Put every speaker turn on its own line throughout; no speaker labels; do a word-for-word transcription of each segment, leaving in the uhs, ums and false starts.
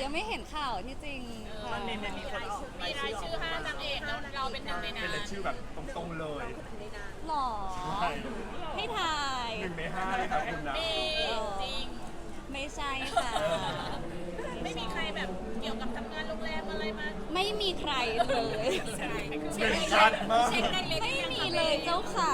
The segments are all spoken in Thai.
ยังไม่เห็นข่าวที่จริงค่ะ
มันมีมีคนออก
มีรายชื่อห้านางเอกแล้วเราเป็นหนึ่งในนั้
เป็น
น
รายชื่อแบบตรงๆเลย
หรอ
ใช่
ให้ทาย
หนึ่งในห้าเลยครับคุณนะ
มีจริง
ไม่ใช่ค่ะ
ไม่มีใครแบบเกี่ยวกับทำงานโรงแรมอะไรมา
ไม่มีใครเลย
ใช่
เห็นชัดมาก
เช็คได้เลย
ไม่มีเลยเจ้าค่ะ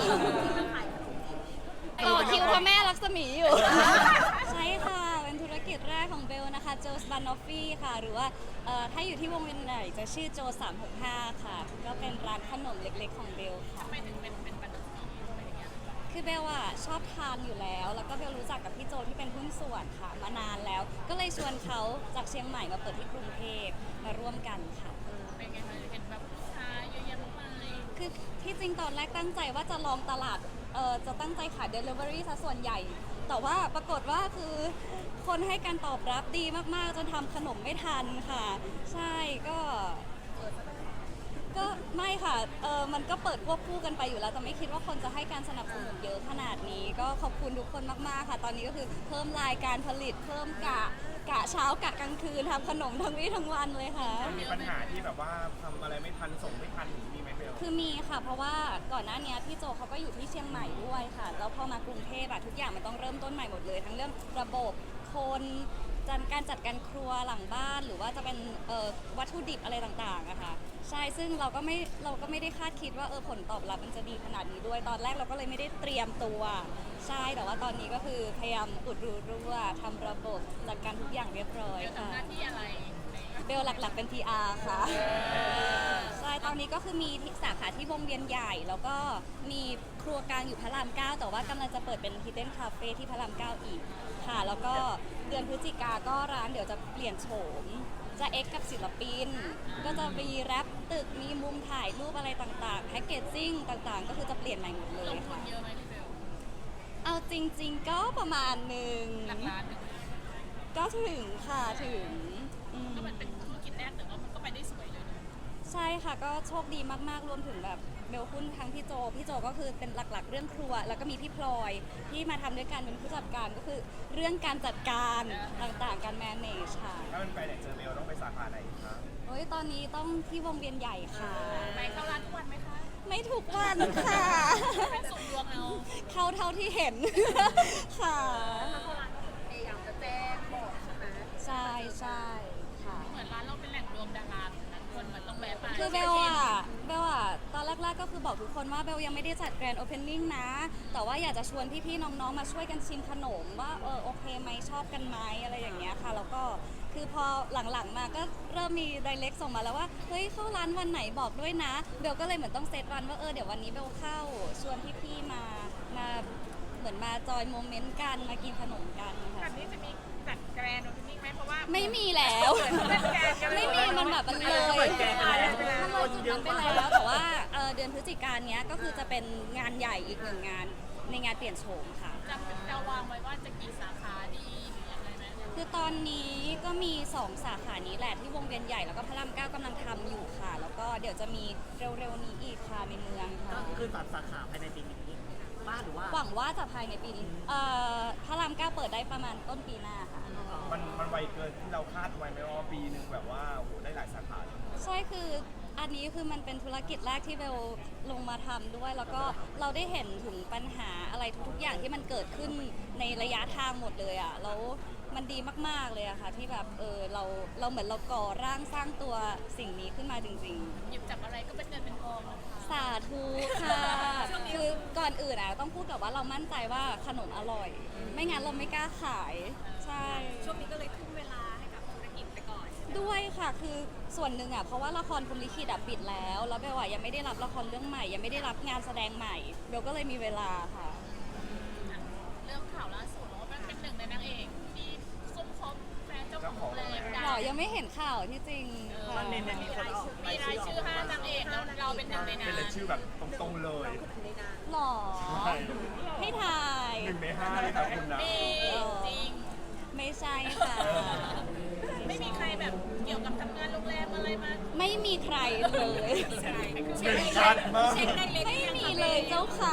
ต่อคิวพระแม่ลักษมีอยู่ ใช่ค่ะ เป็นธุรกิจแรกของเบลนะคะโจสบานอฟฟี่ค่ะ หรือว่าเอ่อถ้าอยู่ที่วงเวียนใหญ่จะชื่อโจสามหกห้าค่ะ ก็เป็นร้านขนมเล็กๆของเบลค่ะ
ทำไมถึงเป็นเป็นบันทึกอะไรอย่างเงี้ย
คือเบลอะชอบทานอยู่แล้ว แล้วก็เบลรู้จักกับพี่โจที่เป็นหุ้นส่วนค่ะ มานานแล้ว ก็เลยชวนเขาจากเชียงใหม่มาเปิดที่กรุงเทพมาร่วมกันค่ะ
เป็นไงคะเห็นแบบลูกค้าเยอะแยะมากมาย
คือที่จริงตอนแรกตั้งใจว่าจะลองตลาด เออจะตั้งใจขาย Delivery ซะส่วนใหญ่ แต่ว่าปรากฏว่าคือคนให้การตอบรับดีมากๆ จนทำขนมไม่ทันค่ะ ใช่ก็ ก็ไม่ค่ะ เออมันก็เปิดควบคู่กันไปอยู่แล้ว แต่ไม่คิดว่าคนจะให้การสนับสนุนเยอะขนาดนี้ ก็ขอบคุณทุกคนมากๆค่ะ ตอนนี้ก็คือเพิ่มรายการผลิต เพิ่มกะ กะเช้ากะกลางคืนทำขนมทั้งวี่ทั้งวันเลยค่ะ
มันมีปัญหาที่แบบว่าทำอะไรไม่ทันส่งไม่ทันหรือมีไหมเบล
คือมีค่ะ เพราะว่าก่อนหน้านี้พี่โจเขาก็อยู่ที่เชียงใหม่ด้วยค่ะ แล้วพอมากรุงเทพอะทุกอย่างมันต้องเริ่มต้นใหม่หมดเลย ทั้งเรื่องระบบคนจัดการจัดการครัวหลังบ้าน หรือว่าจะเป็นเอ่อวัตถุดิบอะไรต่างๆอะค่ะ ใช่ ซึ่งเราก็ไม่เราก็ไม่ได้คาดคิดว่าเออผลตอบรับมันจะดีขนาดนี้ด้วย ตอนแรกเราก็เลยไม่ได้เตรียมตัว ใช่ แต่ว่าตอนนี้ก็คือพยายามอุดรูรั่วทำระบบจัดการทุกอย่างเรียบร้อย
เดี๋ยว
ค่ะ
ทำหน้าที่อะไรใน
เบลหลักๆเป็น พี อาร์ ค่ะ ใช่ ตอนนี้ก็คือมีที่สาขาที่วงเวียนใหญ่ แล้วก็มีครัวกลางอยู่พระรามเก้าแต่ว่ากำลังจะเปิดเป็น Hidden Cafe ที่พระรามเก้าอีกค่ะ แล้วก็เดือนพฤศจิกาก็ร้านเดี๋ยวจะเปลี่ยนโฉม จะเอ็กกับศิลปิน ก็จะมีแรปตึก มีมุมถ่ายรูปอะไรต่างๆ แพ็กเกจจิ้งต่างๆ ก็คือจะเปลี่ยนใหม่หมดเล
ล
ย
งทุ
ค่ะ
นเยอะไหมพี่เบล
เอาจริง ๆ ก็ประมาณหนึ่ง
หลักล้านหนึ่ง
ก็ถึงค่ะถึงอืม
ก็มันเป็นธุรกิจแรกแต่ว่ามันก็ไปได้สวยเลยนะ
ใช่ค่ะก็โชคดีมากๆรวมถึงแบบเบลหุ้นทั้งพี่โจพี่โจก็คือเป็นหลักๆ เรื่องครัว แล้วก็มีพี่พลอยที่มาทำด้วยกันเป็นผู้จัดการก็คือเรื่องการจัดการต่างๆการ manage ค่ะ
ถ้ามันไปไหนเจอเบลต้องไปสาขาไหนคะ
โอ้ยตอนนี้ต้องที่วงเวียนใหญ่ค่ะ
ไปเข้าร้านทุกวันไหมคะ
ไม่ทุกวันค่ะ
เป็นสุ่มดวงเอา
เข้าเท่าที่เห็น ค่ะ
พยายามจะแจ้งบอกใช่ไหม
ใช่ใช่ค่ะ
เหมือนร้านเราเป็นแหล่งรวมดาราเหมือนนั้นคนมันต้องแวะไป
คือเบลอะเบลอะตอนแรกๆก็คือบอกทุกคนว่าเบลยังไม่ได้จัดแกรนด์โอเพนนิ่งนะ แต่ว่าอยากจะชวนพี่ๆน้องๆมาช่วยกันชิมขนมว่าเออโอเคไหมชอบกันไหมอะไรอย่างเงี้ยค่ะ แล้วก็คือพอหลังๆมาก็เริ่มมีไดเรกส่งมาแล้วว่าเฮ้ยเข้าร้านวันไหนบอกด้วยนะเบลก็เลยเหมือนต้องเซตวันว่าเออเดี๋ยววันนี้เบลเข้าชวนพี่ๆมามาเหมือนมาจอยโมเมนต์กันมากินขนมกัน
แบ
ค่ะ
บนี้จะมีจัดแกรนด์โอเพนนิ่งไหมเพราะว่า
ไม่มีแล้ว ไม่มีมันแบบมันเลยมันเลยจุดนั้นไปแล้วแต่ว่าเอ่อเดือนพฤศจิกายนเนี้ยก็คือจะเป็นงานใหญ่อีกหนึ่งงานในงานเปลี่ยนโฉมค่ะ
จะจะวางไว้ว่าจะกี่สาขาดีหรือยังไงไหม
คือตอนนี้ก็มีสองสาขานี้แหละที่วงเวียนใหญ่แล้วก็พระรามเก้ากำลังทำอยู่ค่ะ แล้วก็เดี๋ยวจะมีเร็วๆนี้อีกค่ะในเมืองค่ะ
ก็คือตัดสาขาภายในปีนี้บ้านหรือว่า
หวังว่าจะภายในปีนี้เอ่อพระรามเก้าเปิดได้ประมาณต้นปีหน้าค่ะ
มันมันไวเกินที่เราคาดไว้ไหมว่าปีหนึ่งแบบว่าโอ้โหได้หลายสาขาเลย
ใช่คืออันนี้คือมันเป็นธุรกิจแรกที่เบลลงมาทำด้วย แล้วก็เราได้เห็นถึงปัญหาอะไรทุกๆอย่างที่มันเกิดขึ้นในระยะทางหมดเลยอ่ะแล้วมันดีมากๆเลยอะค่ะที่แบบเออเราเราเหมือนเราก่อร่างสร้างตัวสิ่งนี้ขึ้นมาจริง
หยิบจับอะไรก็เป็นเงินเป็นทองนะคะ
ๆ สาธุค่ะ คือก่อนอื่นอะต้องพูดกับว่าเรามั่นใจว่าขนมอร่อย ไม่งั้นเราไม่กล้าขายใช่
ช่วงนี้ก็เลยทุ่มเวลาให้กับธุรกิจไปก่อน
ด้วยค่ะคือส่วนหนึ่งอ่ะเพราะว่าละครพรหมลิขิตอ่ะปิดแล้วแล้วเบลอ่ะยังไม่ได้รับละครเรื่องใหม่ ยังไม่ได้รับงานแสดงใหม่เบลก็เลยมีเวลาค่ะ
เรื่องข่าวล่าสุดว่ามันเป็นหนึ่งในนางเอกที่ซุ่มคบแฟนเจ้าของโรงแรมดั
หรอง ยังไม่เห็นข่าวที่จริงค่ะ
มันมีมีคนออก
มีรายชื่อห้านางเอกแล้วเราเป็นหนึ่งในนั้
เป็น
น
รายชื่อแบบตรงๆเลย
หรอ
ใช่
ให้ทาย
หนึ่งในห้าเลยครับคุณนะ
มีจริง
ไม่ใช่ค่ะ
ไม่มีใครแบบเกี่ยวกับทำงานโรงแรมอะไรมา
ไม่มีใครเลย
เห็นชัดมาก
เช็คได้เลย
ไม่มีเลยเจ้าค่ะ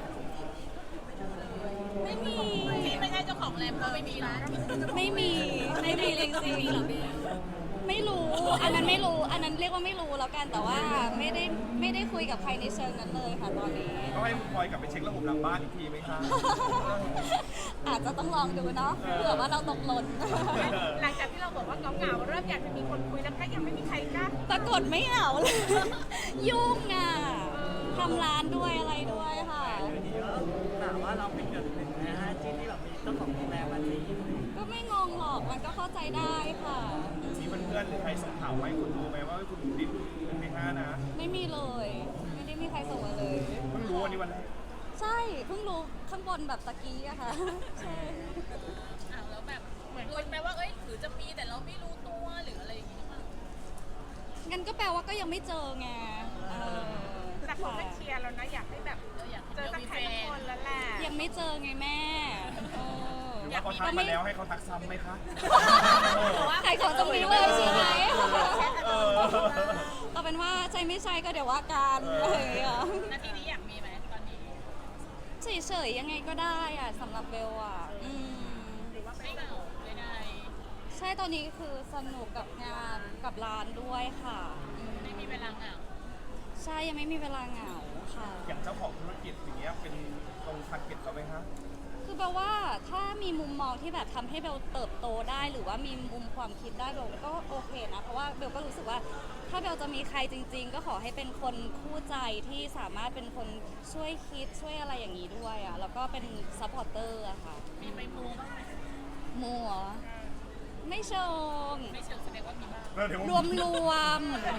ไม่มี
ที่ไม่ใช่เจ้าของโรงแรมก็ไม่มีนะ
ไม่มีไม่มีจริงๆไม่รู้ อันนั้นไม่รู้ อันนั้นเรียกว่าไม่รู้แล้วกัน แต่ว่าไม่ได้ไม่ได้คุยกับใครในเชิงนั้นเลยค่ะตอนนี้
ก็ให้คุณพลอยกลับไปเช็คระบบหลังบ้านอีกทีไหมคะ
อาจจะต้องลองดูเนาะ เผื่อว่าเราตกหล่น
หลังจากที่เราบอกว่าเหงาๆเริ่มอยากจะมีคนคุยแล้วก็ยังไม่มีใครกล้า
ปรากฏไม่เหงาเลย ยุ่งอ่ะทำร้านด้วยอะไรด้วยค่ะ
อยู่ดีก็ถามว่าเราเป็นหนึ่งหนึ่งนะฮะที่ที่แบบมีเจ้าของโรงแรมมาจีบ
ก็ไม่งงหรอก มันก็เข้าใจได้ค่ะ
มีเพื่อนๆหรือใครส่งข่าวมาให้คุณรู้ไหมว่าคุณติดหนึ่งในห้านะ
ไม่มีเลย ไม่ได้มีใครส่งมาเลย
เพิ่งรู้วันนี้วันแรก
ใช่ เพิ่งรู้ข้างบนแบบตะกี้อะค่ะ ใช่
อ้าวแล้วแบบเหมือนคนแปลว่าเอ้ยหรือจะมีแต่เราไม่รู้ตัวหรืออะไรอย่างงี้หรือเปล่า
งั้นก็แปลว่าก็ยังไม่เจอไงเออ
แต่คนไม่เชียร์แล้วนะอยากให้แบบ
เราอยาก
เจอสักใครสักคนแล้วแหละ
ยังไม่เจอไงแม่เออ
หรือว่าเขาทักมาแล้วให้เขาทักซ้ำไหมคะ
ขายของตรงนี้เลยใช่ไหม
เออ
เอาเป็นว่าใช่ไม่ใช่ก็เดี๋ยวว่ากันอะไรอย่างเงี้ย
นาทีนี้อยากมีไหมตอนนี้
เฉยๆยังไงก็ได้อะสำหรับเบลอะอืม
หรือว่าไม่เหงาเลยได้
ใช่ตอนนี้คือสนุกกับงานกับร้านด้วยค่ะอืม
ไม่มีเวลาเหงา
ใช่ยังไม่มีเวลาเหงาค่ะ
อย่างเจ้าของธุรกิจอย่างเงี้ยเป็นตรงทาร์เก็ตเราไหมคะ
คือแปลว่าถ้ามีมุมมองที่แบบทำให้เบลเติบโตได้หรือว่ามีมุมความคิดได้เบลก็โอเคนะ เพราะว่าเบลก็รู้สึกว่าถ้าเบลจะมีใครจริง ๆ ก็ขอให้เป็นคนคู่ใจที่สามารถเป็นคนช่วยคิดช่วยอะไรอย่างนี้ด้วยอะแล้วก็เป็นซัพพอร์เตอร์อะค่ะ
มีไปมูบ้างไหม
มัวไม่เชิง
ไม่เชิงแสดงว่ามีบ้าง
เออเดี๋ยว
รวมรวม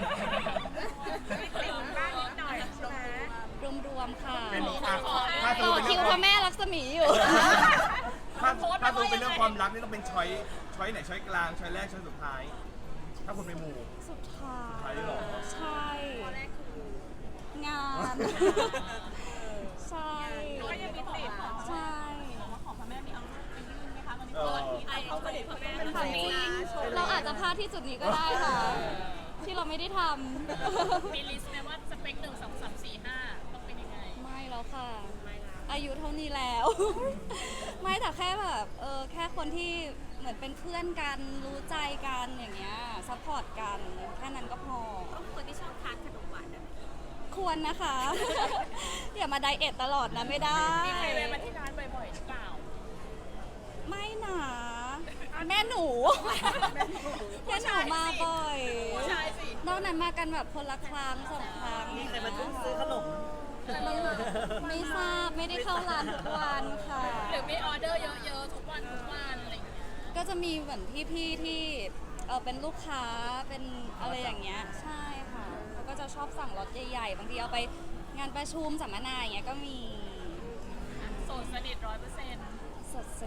ติดบ้างนิดหน่อยใช่ไหม
รวมรวมๆค่ะ
เป็นอ่ะถ้า
ต่
ตู
อ
เป็น
คิ
เรื่
ว
อง
พระแม่ลักษมีอยู่
ถ้าถ้าตูเป็นเรื่องความรักนี่ต้องเป็นช้อยช้อยไหนช้อยกลางช้อยแรกช้อยสุดท้าย ถ้าคุณไปหมู่
สุดท้า
ใช่
ย
เหรอ
ใช่ งาน ใช่
ก็ยังมีติด
ใช่
ของพระแม่มีเอารูปไปยื่นไหมคะตอนนี้
เออ
ไอเขาประเด็นพระแม่
ถามจริงเราอาจจะพลาดที่จุดนี้ก็ได้ค่ะ ที่เราไม่ได้ท
มีลิสต์ไหมว่าสเปคหนึ่งสองสามสี่ห้าต้องเป็นยังไง
ำไม่แล้วค่ะ อายุเท่านี้แล้ว ไม่แต่แค่แบบเออแค่คนที่เหมือนเป็นเพื่อนกันรู้ใจกันอย่างเงี้ยซัพพอร์ตกันแค่นั้นก็พอ
คนที่ชอบทานขนมหวาน
ควรนะคะ อย่ามาไดเอทตลอดนะไม่ได้
มีใครแวะมาที่ร้านบ่อยๆหรือเปล่า
ไม่หนาแม่หนูแม่หนูมาบ่อย
ผู้ชายสิ
นอกนั้นมากันแบบคนละครั้งสองครั้ง
มีใครมาทุ่มซื้อขนม
ไม่ทราบไม่ได้เข้าร้านทุกวันค่ะ
หรือมีออเดอร์เยอะๆทุกวันทุกวันอะไรอย่างเงี้ย
ก็จะมีเหมือนพี่ๆที่เออเป็นลูกค้าเป็นอะไรอย่างเงี้ยใช่ค่ะเขาก็จะชอบสั่งรถใหญ่ๆบางทีเอาไปงานประชุมสัมมนาอย่างเงี้ยก็มี
โสดสนิทร้อยเปอร์เซ็นต์
สดส